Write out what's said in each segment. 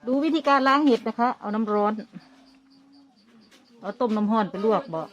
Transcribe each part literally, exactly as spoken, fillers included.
ดูวิธีการล้างเห็ดนะคะเอาน้ำร้อนเอาต้มน้ำร้อนไปลวกบ่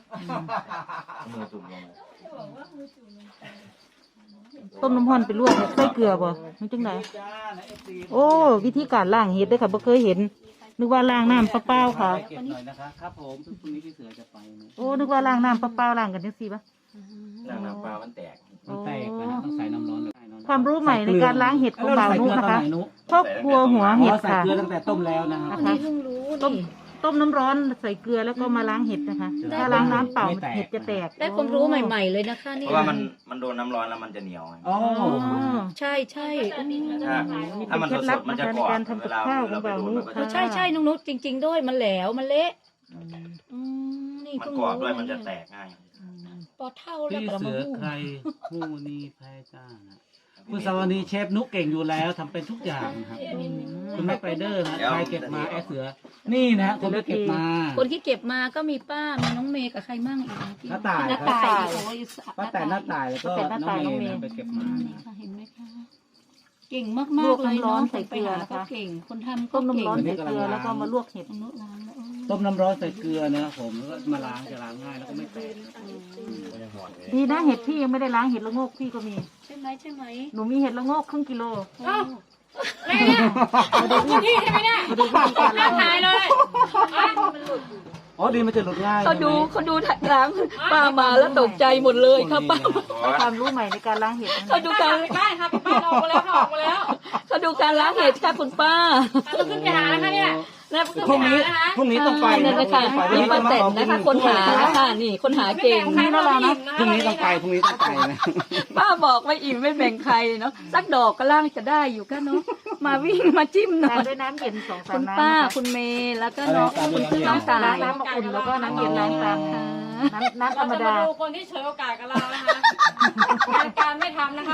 ต้มน้ำร้อนไปลวกใส่เกลือบ่มันจังไดโอ้วิธีการล้างเห็ดด้วยค่ะบ่เคยเห็นนึกว่าล้างน้ำเปล่าๆค่ะครับผมพรุ่งนี้พี่เสือจะไปโอ้นึกว่าล้างน้ำเปล่าๆล้างกันจังซี่ปะล้างน้ำเปล่ามันแตกมันแตกนะต้องใส่น้ำร้อนความรู้ใหม่ในการล้างเห็ดของบ่าวนุนะคะครอบครัวหัวเห็ดค่ะใส่เกลือตั้งแต่ต้มแล้วนะครับนะคะต้มต้มน้ำร้อนใส่เกลือแล้วก็มาล้างเห็ดนะคะถ้าล้างน้ำเปล่าเห็ดจะแตกได้ความรู้ใหม่ๆเลยนะคะนี่เพราะว่ามันมันโดนน้ำร้อนแล้วมันจะเหนียวอ๋อใช่ใช่ถ้าถ้ามันสดๆมันจะกรอบเวลาเราไปดูมันก็จะใช่ใช่น้องนุชจริงๆด้วยมันแหลวมันเละมันกรอบด้วยมันจะแตกง่ายพอเท่าแล้วพี่ก็เสืมาอใครผู้นี้แพ้จ้าคุณสวัสดีเชฟนุกเก่งอยู่แล้วทำเป็นทุกอย่างครับคุณแม่ไปเดอร์นะใครเก็บมาแอเสือนี่นะคนที่เก็บมาคนที่เก็บมาก็มีป้ามีน้องเมย์กับใครมั่งอีกน้าตายน้าตายป้าแต่น้าตายแล้วก็น้องเมย์ไปเก็บมาเห็นไหมคะเก่งมากมากเลยน้องใส่เกลือนะคะเก่งคนทำก็ต้มน้ำเก่งร้อนใส่เกลือแล้วก็มาลวกเห็ดต้มน้ำร้อนใส่เกลือนะครับผมแล้วก็มาล้างจะล้างง่ายแล้วก็ไม่แตกดีนะเห็ดพี่ยังไม่ได้ล้างเห็ดละโงกพี่ก็มีใช่ไหมใช่ไหมหนูมีเห็ดละโงกครึ่งกิโลอ้าวอะไรเนี่ยพี่ใช่ไหมเนี่ยน่าทายเลยอ๋อดีมันจะหลุดง่ายเขาดูเขาดูล้างป้ามาแล้วตกใจหมดเลยครับป้าความรู้ใหม่ในการล้างเห็ดเขาดูการป้าครับป้าออกมาแล้วออกมาแล้วเขาดูการล้างเห็ดค่ะคุณป้าเราขึ้นไปหาแล้วค่ะเนี่ยพรุ่งนี้พรุ่งนี้ต้องไปนั่นนะคะนี่ป้าแตนนะคะคนหานะคะนี่คนหาเก่งนี่นะเรานะพรุ่งนี้ต้องไปพรุ่งนี้ต้องไปนะป้าบอกไม่อิ่มไม่แบ่งใครเนาะสักดอกก็ล่างจะได้อยู่ก็เนาะมาวิ่งมาจิ้มหน่อยด้วยน้ำเย็นสองสามคุณน้ำป้าคุณเมย์แล้วก็น้องคุณน้องสายน้ำอุ่นแล้วก็น้ำเย็นล้างตามน้ำน้ำธรรมดาดูคนที่เฉยโอกาสกับเรานะคะการการไม่ทำนะคะ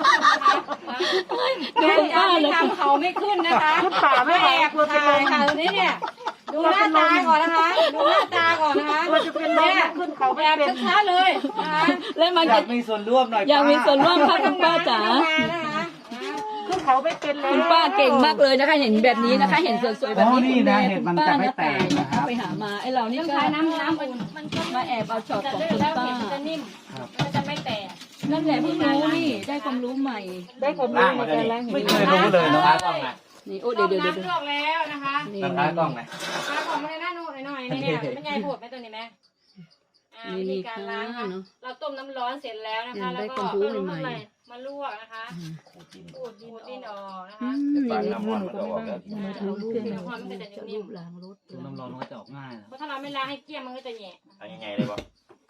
ดูการไม่ทำเขาไม่ขึ้นนะคะขึ้นป่าไม่แอบกลัวเป็นลมค่ะนี่เนี่ยดูหน้าตาก่อนนะคะดูหน้าตาก่อนนะคะเราจะเป็นลมขึ้นเขาไม่แบบเป็นช้าๆเลยนะคะแล้วมันอยากมีส่วนร่วมหน่อยอยากมีส่วนร่วมค่ะคุณป้าจ๋าขึ้นเขาไม่เป็นเลยคุณป้าเก่งมากเลยนะคะเห็นแบบนี้นะคะเห็นสวยๆแบบนี้นี่นะเห็ดมันจะไม่แตกนะครับไปหามาไอ้เรานี่ก็น้ำน้ำอุ่นมันมาแอบเอาช็อตของคุณป้าจะนิ่มมันจะไม่แตกนั่นแหละเพิ่งรู้นี่ได้ความรู้ใหม่ได้ความรู้ในการล้างเห็ดไม่เคยรู้เลยนะกล้องนะนี่โอ้เดี๋ยวเดี๋ยวเดี๋ยวน้ำลวกแล้วนะคะนี่ตากล้องนะมาของมาในหน้าหน่อยหน่อยนี่เนี่ยไม่ใหญ่ปวดไหมตัวนี้ไหมวิธีการล้างค่ะเราต้มน้ำร้อนเสร็จแล้วนะคะแล้วก็เอาใหม่มาลวกนะคะขูดดินขูดดินออกนะคะปากน้ำมันมันจะออกแล้วรู้เรื่องน้ำมันมันจะนิ่มล้างรถน้ำร้อนมันก็จะออกง่ายนะเพราะถ้าเราไม่ล้างให้เกลี้ยงมันก็จะแหย่อันใหญ่ๆเลยป่ะ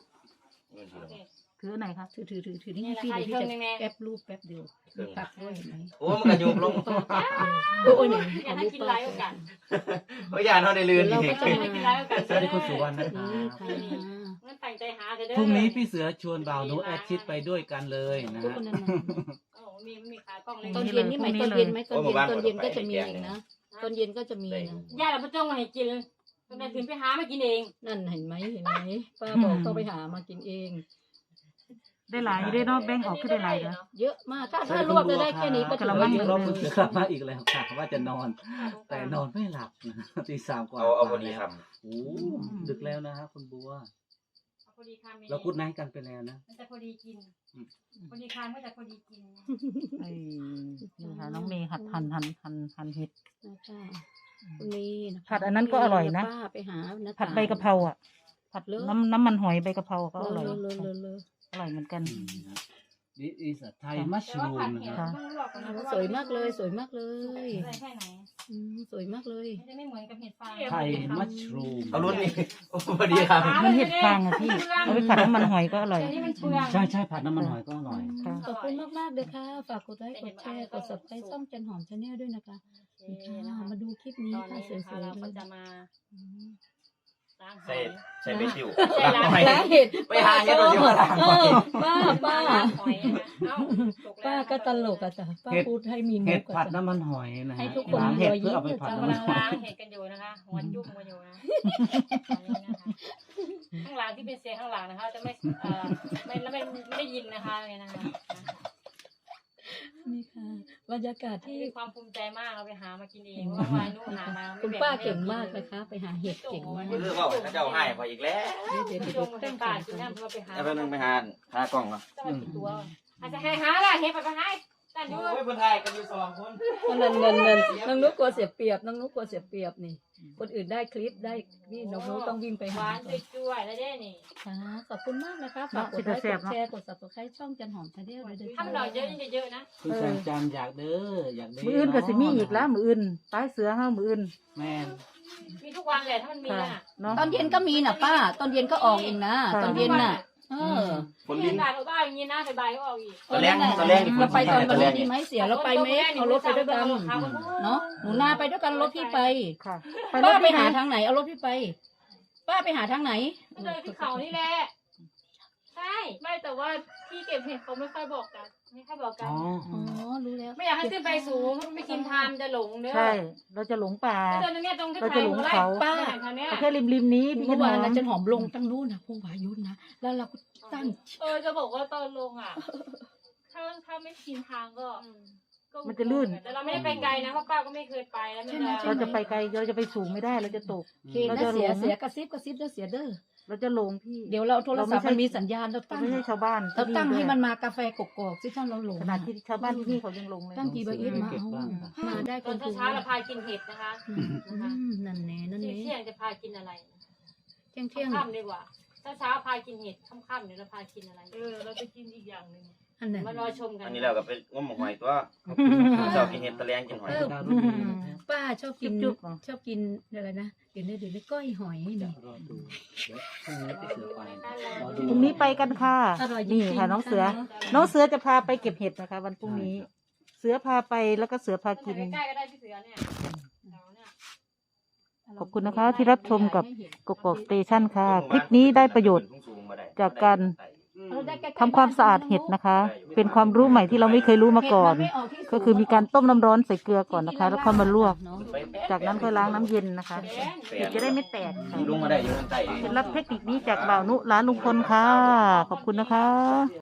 ถือไหนคะถือถือถือถือนี่พี่เดี๋ยวพี่จะแป๊บรูปแป๊บเดียวตักด้วยเห็นไหมโอ้มันกระยุบลงโอ้ยไหนอยากให้กินไลฟ์กันโอ้ยยานเขาได้ลื่นเราก็จะให้กินไลฟ์กันสวัสดีคุณสุวรรณนะครับงั้นตั้งใจหาเด้อพรุ่งนี้พี่เสือชวนบ่าวนุแอดชิดไปด้วยกันเลยนะฮะโอ้มีมีขากล้องเลยตอนเย็นนี่ไหมตอนเย็นไหมตอนเย็นตอนเย็นก็จะมีอีกนะตอนเย็นก็จะมีนะญาติเราไม่จ้องมาให้กินตอนนั้นถึงไปหามากินเองนั่นเห็นไหมเห็นไหมป้าบอกต้องไปหามากินเองได้หลายได้เนาะแบ่งออกขึ้นได้หลายเนาะเยอะมากถ้าถ้ารวบจะได้แค่นี้ก็ถือว่าเยอะรอบคุณเสือกลับมาอีกแล้วค่ะว่าจะนอน แต่นอนไม่หลับนะตีสามกว่าเอาเอาพอดีครับโอ้ดึกแล้วนะครับคุณบัวพอดีคำเราพูดนั่งกันไปแล้วนะมันจะพอดีกินพอดีคำก็จะพอดีกินไอ้นี่ค่ะน้องเมย์หัดหั่นหั่นหั่นหั่นเห็ดนี่ผัดอันนั้นก็อร่อยนะป้าไปหาผัดใบกะเพราอ่ะผัดน้ำน้ำมันหอยใบกะเพราก็อร่อยเลยเลยเลยอร่อยเหมือนกัน This is a Thai mushroom นะครับสวยมากเลยสวยมากเลยใส่แค่ไหนสวยมากเลยมันจะไม่เหมือนกับเห็ดฟางไทยมัชรูมเอารุ่นนี้โอ้พอดีครับมันเห็ดฟางอ่ะพี่เอาไปผัดน้ำมันหอยก็อร่อยอันนี้มันเปลืองใช่ใช่ผัดน้ำมันหอยก็อร่อยค่ะขอบคุณมากมากเลยค่ะฝากกดไลค์กดแชร์กด ซับสไครบ์ช่องจันหอมชาแนลด้วยนะคะค่ะมาดูคลิปนี้ตอนค่ะนี้สวยนะคะๆเราเลก็ยจะมาล้างหใส่อยใส่เบสิวใส่ล้างล้างเห็ดไปหาเห็ดเราจะมาล้างเออป้าป้าล้างหอยนะคะเอ้าถูกแล้วป้าก็ตลกอ่ะจ้ะป้าพูดให้มีมุเห็ดกผัอ่ะดจ้ะน้ำมันหอยนะให้ฮะทุกคนล้างเห็ดรอยยิ้เพื่อมเอาไปผัดเราน้ำมันกำลังหอยล้างเห็ดกันอยู่นะคะหัวจุ่มกันอยู่นะตอนนี้นะคะข้างหลังที่เป็นเสียงข้างหลังนะคะจะไม่เอ่อไม่แล้วไม่ไม่ได้ยินนะคะเนี่ยนะคะนี่ค่ะบรรยากาศที่มีความภูมิใจมากเราไปหามากินเองว่าวายนู่นหามาคุณป้าเก่งมากเลยค่ะไปหาเห็ดเก่งมากเรื่องว่าเขาเจ้าให้พออีกแล้วเดี๋ยวที่เดี๋ยวลเดี๋ยวงไปป่ากินน้ำเราไปหาแล้วเพิ่นนึงไปหาหากล้องเนาะจะมากี่ตัวอาจจะให้หาล่ะเฮ็ดไปไปให้แต่ดูโอ้ยเพิ่นถ่ายกันอยู่สองคนเงินเงินเงินน้องนุ๊กกลัวเสียเปรียบน้องนุ๊กกลัวเสียเปรียบนี่ คนอื่นได้คลิปได้นี่น้องนุ๊กต้องวิ่งไปหหาวานจุ้ยๆแล้วเด้นี่ค่ะขอบคุณมากนะคะฝากกดไลค์กดแชร์กด subscribe ช่องจันหอมชาแนลด้วยถ้ามันหน่อยเยอะยิ่งจะเยอะนะคุณแสงจันทร์อยากเด้ออยากเด้มืออื่นก็สิมีอีกแล้วมืออื่นตายเสือเฮามืออื่นแม่นมีทุกวันแหละถ้ามันมีค่ะน่ะเนาะตอนเย็นก็มีน่ะป้า ตอนเย็นก็ออกเองนะค่ะตอนเย็นน่ะ เออคนเรีลิ้ยนนด่าเราบ้าอย่างนี้นะบ่ายก็ออกอีกตอนแรกตอนแรกนี่เราไปตอนตวัอน นแรนี้กดีไหมเสียเราไปไหมเอารถไปด้วยกันเนาะหนูนาไปด้วยกันรถพี่ไปค่ะป้าไปที่หาทางไหนเอารถพี่ไป ป้าไปหาทางไหนก็เลยที่เขานี่แหละใช่ไม่แต่ว่าที่เก็บเห็ดเขาไม่ค่อยบอกกันไม่ค่อยบอกกัอ๋นออ๋อรู้แล้วไม่อยากให้ขึ้นไปสูงไม่กินทามจะหลงเด้อใช่ เราจะหลงป่าเดินตรงเนี้ยตรงที่เราจะหลงเขาป้าแถวเนี้ยแค่ริมริมๆนี้พี่เมื่อวานหนะมจันหอมลงตั้งนู้นนะพงวายุนะแล้วเราก็ตั้งเออจะบอกว่าตอนลงอ่ะ ถ้าถ้าไม่ชินทางก็ก็มันจะลื่นแต่เราไม่ได้ไปไกลนะเพราะป้าก็ไม่เคยไปแล้วมันจะเราจะไปไกลเราจะไปสูงไม่ได้เราจะตกเคนะเสียเสียกระซิบกระซิบเด้อเสียเด้อเราจะหลงพี่เดี๋ยวเราโทรศัพท์มันมีสัญญาณเราเราตั้งไม่ใช่ชาวบ้านเราตั้งที่ให้ด้วยมันมากาแฟกกอกสิท่านเราหลงขนาดที่ชาวบ้านที่นี่เขายังหลงเลยตั้งกี่เบอร์อีทมาเอามาได้ตคอนนถูกเช้าๆเราพากินเห็ดนะคะอืมนั่นแน่นั่นเที่แน่ยงๆจะพากินอะไรเที่ยงเที่ยงค่ำๆดีกว่าเช้าๆพากินเห็ดค่ำๆเดี๋ยวเราพากินอะไรเออเราจะกินอีกอย่างหนึ่งอันนั้นมารอชมกันอันนี้เราก็ไปงมหอยตัวเจ้ากินเห็ดตะแลงกินหอยดาวรุ่งนี้นะป้าชอบกินจุ๊บๆเหรอชอบกินอะไรนะเดี๋ยวนี้เดี๋ยวนี้ก้อยหอยนี่รอดูเดี๋ยวพรุ่งนี้ไปเสือไปรอดูพรุ่งนี้ไปกันค่ะอร่อยจริงนี่ๆค่ะน้องเสือค่ะน้องเสือจะพาไปเก็บเห็ดนะคะ วันพรุ่งนี้ เสือพาไปแล้วก็เสือพากินใกล้ๆก็ได้พี่เสือเนี่ยแถวเนี่ยขอบคุณนะคะที่รับชมกับกกอกสเตชันค่ะ คลิปนี้ได้ประโยชน์จากการ ทำความสะอาดเห็ดนะคะ เป็นความรู้ใหม่ที่เราไม่เคยรู้มาก่อน ก็คือมีการต้มน้ำร้อนใส่เกลือก่อนนะคะ แล้วค่อยมาลวก จากนั้นค่อยล้างน้ำเย็นนะคะ เห็ดจะได้ไม่แตกค่ะลุงมาได้อยู่ข้างใต้เคล็ดลับเทคนิคนี้จากบ่าวนุร้านลุงพลค่ะ ขอบคุณนะคะ